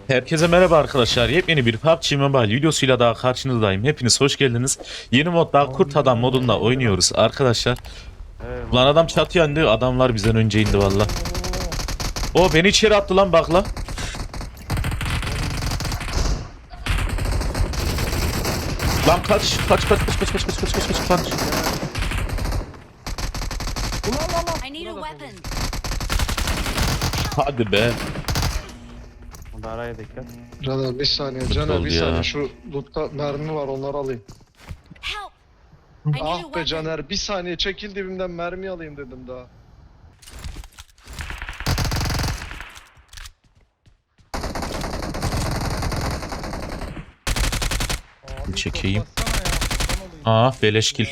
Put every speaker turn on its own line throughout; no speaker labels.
Herkese merhaba arkadaşlar. Yepyeni bir PUBG Mobile videosuyla daha karşınızdayım. Hepiniz hoş geldiniz. Yeni modda Kurt Adam modunda oynuyoruz arkadaşlar. Lan adam çatıya indi. Adamlar bizden önce indi valla. O beni içeri attı lan bak la. Lan kaç.
I need a weapon.
Hadi be.
Araya dikkat.
Caner bir saniye,
Kötü
Caner
oldu
bir
ya.
saniye. Şu lootta mermi var, onları alayım.
Help! I need a
Ah be
weapon.
Caner, bir saniye çekil dibimden mermi alayım dedim daha.
Çekeyim. Aa beleşkil.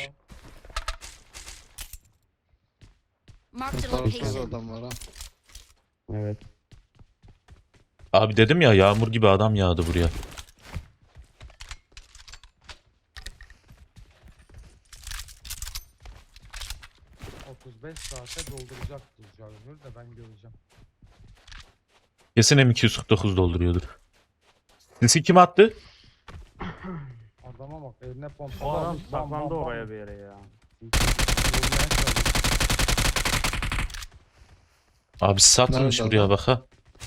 Marked a
Tarafta da
location.
adam var ha.
Evet.
Abi dedim ya yağmur gibi adam yağdı buraya.
Saate dolduracaktır Jagger de ben göreceğim.
Kesin M249 dolduruyordur. Sisi kim attı?
Adama bak eline pompa
O adam
almış, bam, bam,
saklandı
bam.
oraya bir yere ya.
Vurmaya çalışıyor.
Abi satılmış
Nerede
buraya
adam?
bak ha.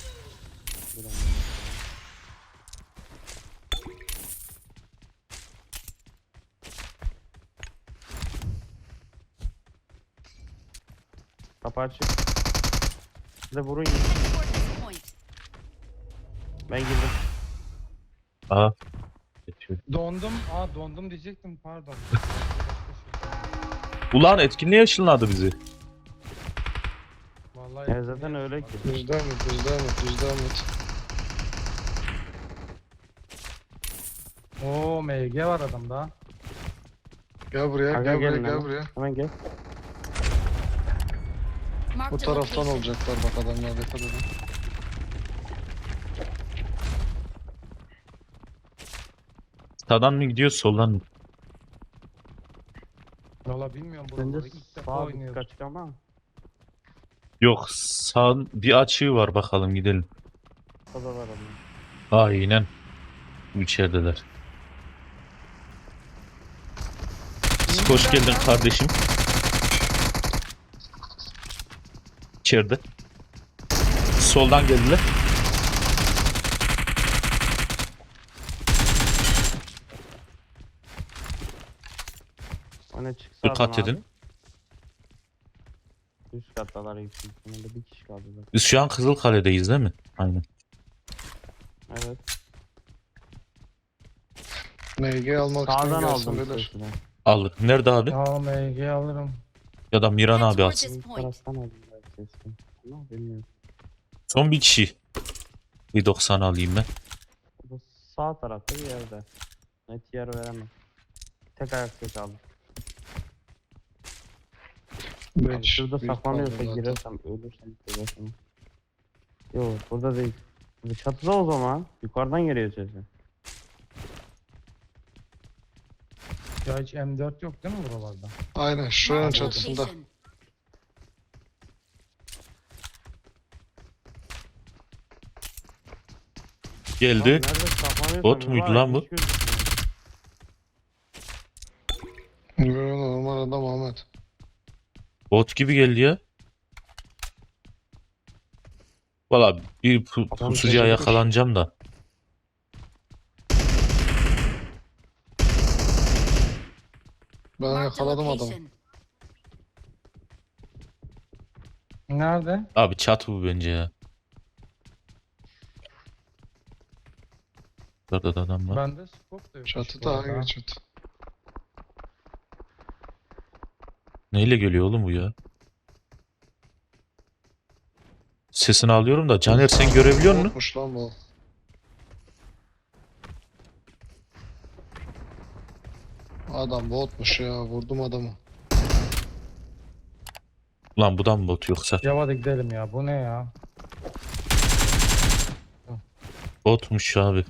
Kapı açık. Size vurun.
Heading toward this point.
Ben girdim.
Aha. Geçiyor.
Dondum diyecektim, pardon.
Ulan etkinliğe ışınladı bizi.
Vallahi
Ya zaten öyle ki.
Düz devam et, düz devam et, düz devam et.
Oo, MG var adamda.
Gel buraya,
Aga
gel buraya,
gelin
gel
hemen.
buraya.
Hemen gel.
Bu
Marked a
taraftan
location.
olacaklar bak adamlar, dikkat edin.
Sağdan mı gidiyor soldan mı?
Valla bilmiyorum,
Bence
buraları ilk defa
sağ
oynuyoruz.
kaçık ama.
Yok sağ bir açığı var bakalım gidelim.
O da var ama.
Aynen. Bu içerideler. Hoş geldin kardeşim. İçeride. Soldan geldiler.
O ne çıksa
Dikkat edin.
Üst kattalar yüksek ihtimalle bir kişi kaldı zaten.
Biz şu an Kızılkale'deyiz değil mi? Aynen.
Evet.
MG almak isteyen
Sağdan
gelsin
aldım
beyler.
sesini.
Aldık. Nerede abi?
Ya MG alırım.
Ya da Miran
Head
abi
toward
alsın.
this
Bu
point.
taraftan aldım ben sesini. Ama bilmiyorum.
Son bir kişi. Bir 90 alayım ben.
Bu sağ tarafta bir yerde. Net yer veremem. Tek ayak ses aldım.
Beş,
Şurada
bir
saklanıyorsa
kaldı zaten.
girersem ölürsem girersem. Yok burada değil. Bu çatıda o zaman. Yukarıdan geliyor sesi.
Ya hiç M4 yok değil mi buralarda?
Aynen şuranın
Marked a
çatısında.
location.
Geldi.
Nerede saklanıyorsam
Bot muydu
var,
lan bu?
hiç gözükmüyor.
Yo, normal adam Ahmet.
Bot gibi geldi ya. Valla bir
Adam
pusucuya
şaşırmış.
yakalanacağım da.
Ben
Marked a
yakaladım adamı.
location.
Nerede?
Abi çat bu bence ya. Burada da adam var.
Bende scope da yok.
Çatıda hangi çatı?
Neyle geliyor oğlum bu ya? Sesini alıyorum da Caner sen görebiliyor musun?
Botmuş lan bu. Adam botmuş ya, vurdum adamı.
Lan bu da mı bot yoksa?
Ya hadi gidelim ya, bu ne ya?
Botmuş abi.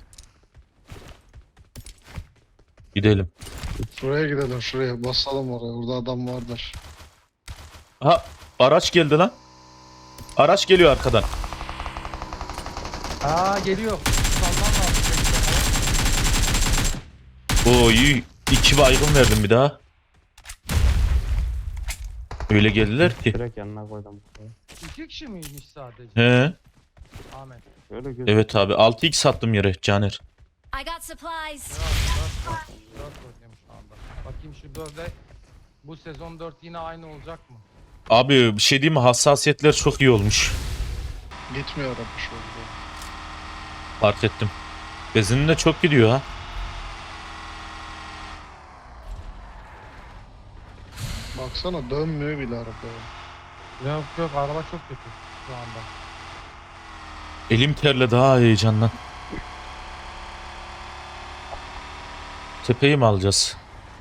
Gidelim.
Şuraya gidelim, şuraya basalım oraya, burada adam vardır.
Ha araç geldi lan. Araç geliyor arkadan.
Aa, geliyor.
Oo iyi. 2 baygın verdim bir daha. Öyle geldiler ki.
Direkt yanına koydum.
2 kişi miymiş sadece?
He.
Ahmet.
Böyle gözüküyor.
Evet abi 6x sattım yere Caner.
I got supplies.
4 oynuyorum şu anda. Bakayım şu 4'e. Bu sezon 4 yine aynı olacak mı?
Abi bir şey diyeyim mi? Hassasiyetler çok iyi olmuş.
Gitmiyor araba şu anda.
Fark ettim. Benzinin de çok gidiyor ha.
Baksana dönmüyor bile araba.
Yok yok, araba çok kötü şu anda.
Elim terle daha heyecandan. Tepeyi mi alacağız?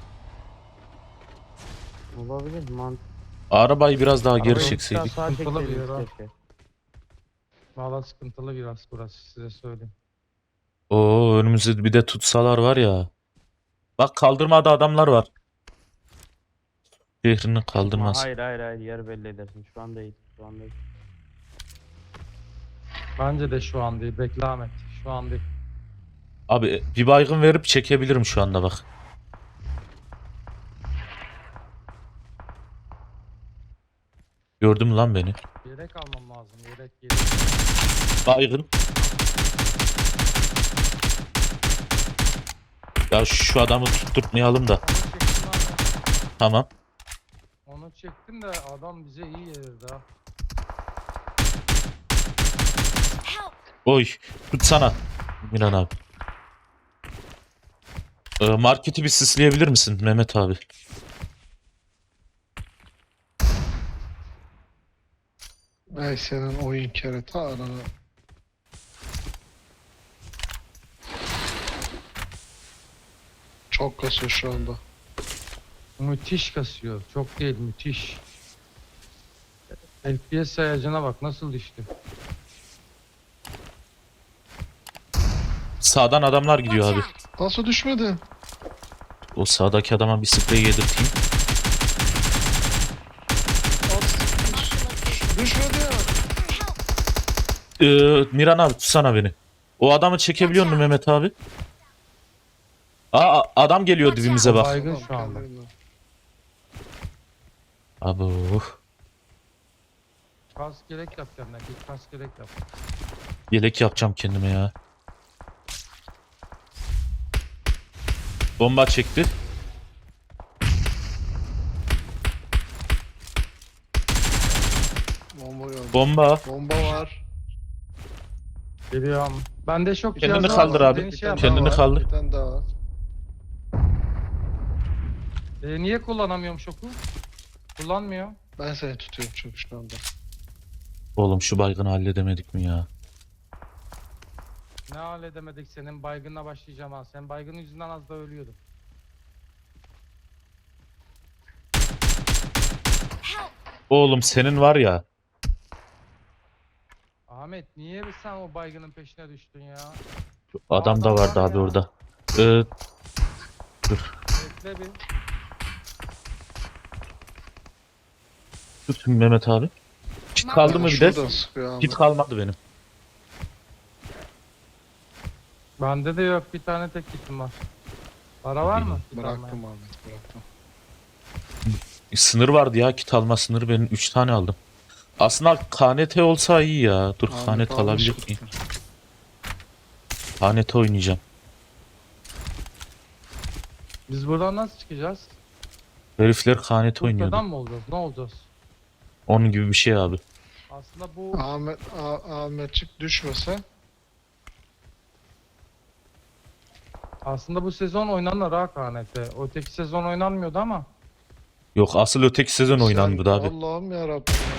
Olabilir mant.
Arabayı biraz daha geri
Arabayı
çekseydik.
Sağa
Sıkıntılı bir
çekseydiniz
yer ha.
keşke.
Valla sıkıntılı biraz burası, size söyleyeyim.
Oo önümüzde bir de tutsalar var ya. Bak kaldırmada adamlar var. Şehrini
Ama
kaldırmaz.
hayır yer belli edersin. Şu an değil. Şu an değil.
Bence de şu an değil. Bekle Ahmet. Şu an değil.
Abi bir baygın verip çekebilirim şu anda bak. Gördüm lan beni.
Yelek almam lazım. Yelek.
Baygın. Ya şu adamı tutturmayalım da.
Onu çektim abi.
Tamam.
Onu çektim de adam bize iyi yedirdi ha.
Help.
Oy tutsana. Miran abi. Marketi bir sisleyebilir misin Mehmet abi?
Ay senin oyun kereta ananı. Çok kasıyor şu anda.
Müthiş kasıyor. Çok değil, müthiş. FPS sayacına bak nasıl düştü.
Sağdan adamlar gidiyor
Watch
abi.
out.
Nasıl düşmedi?
O sağdaki adama bir sprey yedirteyim.
Marked a location.
Düşmedi ya.
Miran abi tutsana beni. O adamı çekebiliyor musun Mehmet abi? Aa adam geliyor dibimize bak.
Baygın şu anda.
Kendine.
Abo.
Kas gerek yap kendine. Git kas gerek yap.
Yelek yapacağım kendime ya. Bomba çekti.
Bomba yok.
Bomba.
Bomba var.
Geliyorum. Bende şok
Kendini
cihazı
kaldır
var.
abi.
Beni şey yap.
Kendini
daha var,
kaldır.
Bir tane daha var.
Niye kullanamıyorum şoku? Kullanmıyor.
Ben seni tutuyorum çünkü şu anda.
Oğlum şu baygını halledemedik mi ya?
Ne halledemedik, senin baygınla başlayacağım ha. Sen baygın yüzünden az da ölüyordun.
Help.
Oğlum senin var ya.
Ahmet niye sen o baygının peşine düştün ya?
Adam da
Adam
vardı
var
abi
ya.
orada.
Bekle bir.
Tut Mehmet abi. Kit kaldı mı bir de?
Şuradan sıkıyor abi.
Kit kalmadı benim.
Bende de yok, bir tane tek kitim var. Para var mı? Kit almaya?
Bıraktım Ahmet bıraktım.
Sınır vardı ya kit alma sınırı benim 3 tane aldım. Aslında KNT olsa iyi ya. Dur
Ahmet
KNT alabilir
almış.
miyim? KNT oynayacağım.
Biz buradan nasıl çıkacağız?
Herifler KNT oynuyordu.
Kurtadan mı olacağız? Ne olacağız?
Onun gibi bir şey abi.
Aslında bu
Ahmetçik düşmese
aslında bu sezon oynanır ha KNT. Öteki sezon oynanmıyordu ama.
Yok asıl öteki sezon oynandı
sen-
abi.
Allah'ım yarabbim ya.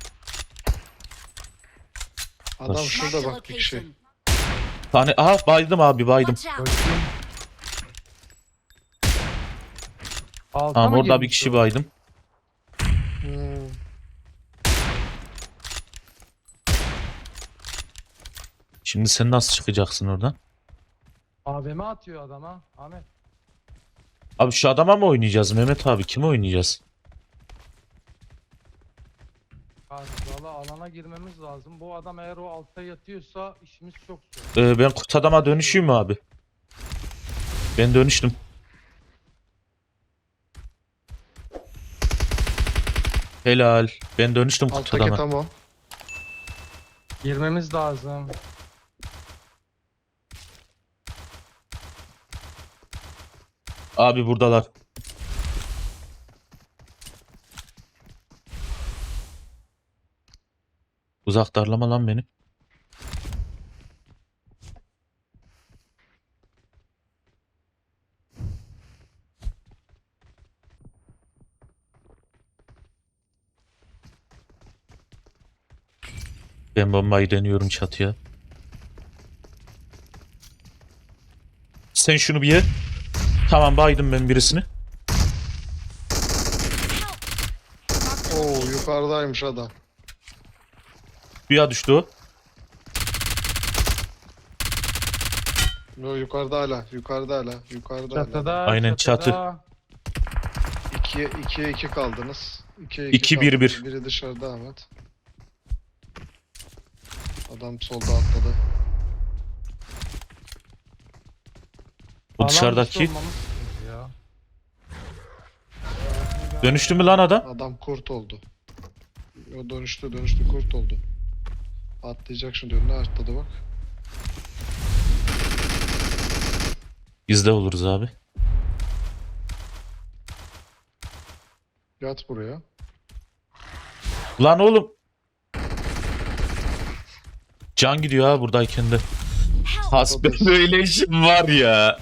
Adam
Baş-
şurada
Marked a
bak bir kişi.
location.
Aha baydım abi baydım.
Watch out.
Bakayım. Alta
Tamam
mı
orada bir
girmiş
kişi
o?
baydım.
Hmm.
Şimdi sen nasıl çıkacaksın oradan?
AVM atıyor adama. Ahmet.
Abi şu adama mı oynayacağız Mehmet abi? Kime oynayacağız?
Valla alana girmemiz lazım. Bu adam eğer o altta yatıyorsa işimiz çok zor.
Ben kurt adama dönüşeyim mi abi? Ben dönüştüm. Helal. Ben dönüştüm kurt
Alttaki
adama.
tam o.
Girmemiz lazım.
Abi buradalar. Uzak darlama lan beni. Ben bombayı deniyorum çatıya. Sen şunu bir ye. Tamam baydım ben birisini.
Oo yukarıdaymış adam.
Suya düştü o.
Yo yukarıda hala. Yukarıda hala. Yukarıda hala.
Çatıda.
Aynen,
çatıda.
2'ye 2 kaldınız. 2'ye
2, 1, 1.
kaldınız. Biri dışarıda Ahmet. Adam solda atladı.
Bu
Alan
dışarıdaki.
dışı olmamız sıkıntı ya.
Dönüştü mü lan adam?
Adam kurt oldu. O dönüştü kurt oldu. Atlayacak şimdi önüne atladı bak.
Biz de oluruz abi.
Yat buraya.
Lan oğlum. Can gidiyor ha buradayken de. Hasbe böyle işim var ya.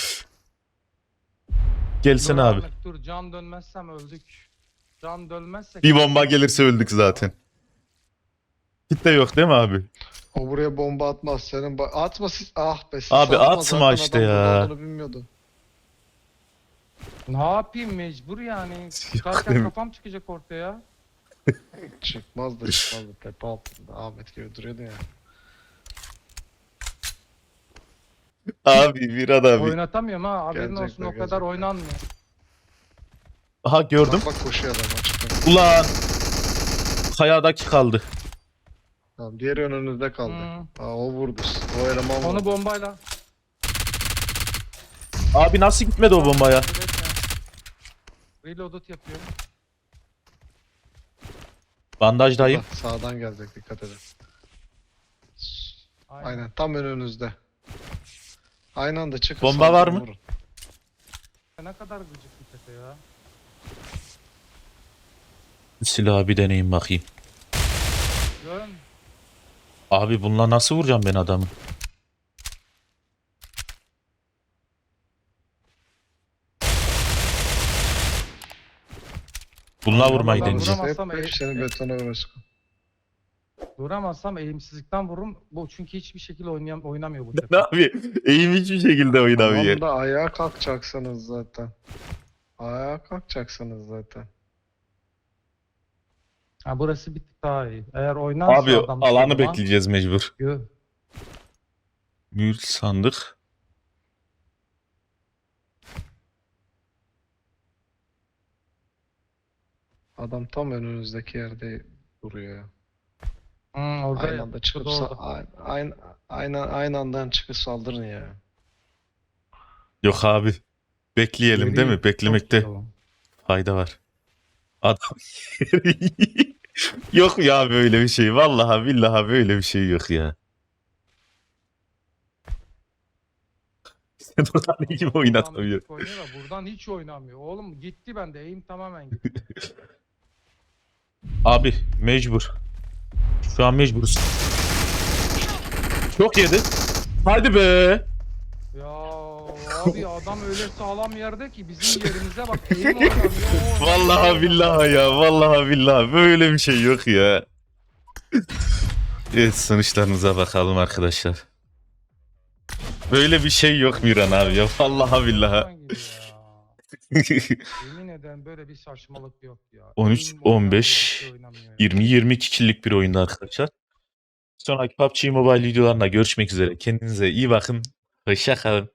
Gelsene
Dur
abi.
Ahmet, dur can dönmezsem öldük. Can dönmezsek.
Bir bomba gelirse öldük zaten. Kitle yok değil mi abi?
O buraya bomba atmaz. Senin atma siz. Ah be siz
Abi
atma.
atma
Zaten
işte
adam
ya.
burada olduğunu bilmiyordu.
Ne yapayım mecbur yani.
Yok
Tutarken
değil mi?
kafam çıkacak ortaya.
Çıkmazdı. Tepe altında. Ahmet gibi duruyordu ya.
Abi bir adam.
Oynatamıyorum ha. Haberin
Gelecekler,
olsun o kadar
gelecekler.
oynanmıyor.
Aha gördüm.
Bak koşuyor adam açıktan.
Ulan. Kayadaki kaldı.
Tamam, diğeri önünüzde kaldı. Aa, o vurdu. O eleman
Onu
vurdu.
bombayla.
Abi nasıl gitmedi o bombaya?
Reloaded yapıyorum.
Bandajdayım.
Bak, sağdan gelecek dikkat edin. Aynen tam önünüzde. Aynı anda çıkın.
Bomba
sağdan
var mı?
vurun.
Ne kadar gıcık bir tepe ya.
Silahı bir deneyim bakayım.
Görün.
Abi bununla nasıl vuracağım ben adamı? Bununla vurmayı
Ben
deneyeceğim.
vuramazsam
Hep seni betona vurursun.
Duramazsam eğimsizlikten vururum. Bu çünkü hiçbir şekilde oynamıyor bu
Ne
tepe.
abi? Eğim hiçbir şekilde oynamıyor.
Tamam da ayağa kalkacaksınız zaten. Ayağa kalkacaksınız zaten.
Ha, burası bir tık daha iyi. Eğer oynarsa
Abi
adam
alanı
o zaman-
bekleyeceğiz mecbur.
Gö.
Mühür sandık.
Adam tam önünüzdeki yerde duruyor ya.
Orada
Aynı anda çıkıp
şurada orada.
aynı andan çıkıp saldırın ya.
Yok abi. Bekleyelim değil mi?
Çok
Beklemekte
iyi o.
fayda var. Adam yok ya böyle bir şey. Vallahi billahi böyle bir şey yok ya. Sen oradan ne gibi oynatamıyorsun?
Buradan oynuyor da buradan hiç oynamıyor. Oğlum gitti bende. Eğim tamamen gitti.
Abi mecbur. Şu an mecburuz. Çok yedi. Hadi be.
Ya abi adam öyle sağlam yerde ki bizim yerimize bak. Eğim oynamıyor. o
Vallahi
oynamıyor.
billahi ya. Vallahi billahi. Böyle bir şey yok ya. Evet sonuçlarımıza bakalım arkadaşlar. Böyle bir şey yok Miran abi ya. Vallahi billahi.
Oradan gidiyor ya. Yemin ederim böyle bir saçmalık yok ya.
13,
Eğim oynamıyor,
15,
bir şey oynamıyor ya.
20-22 kişilik bir oyunda arkadaşlar. Sonraki PUBG Mobile videolarında görüşmek üzere. Kendinize iyi bakın. Hoşça kalın.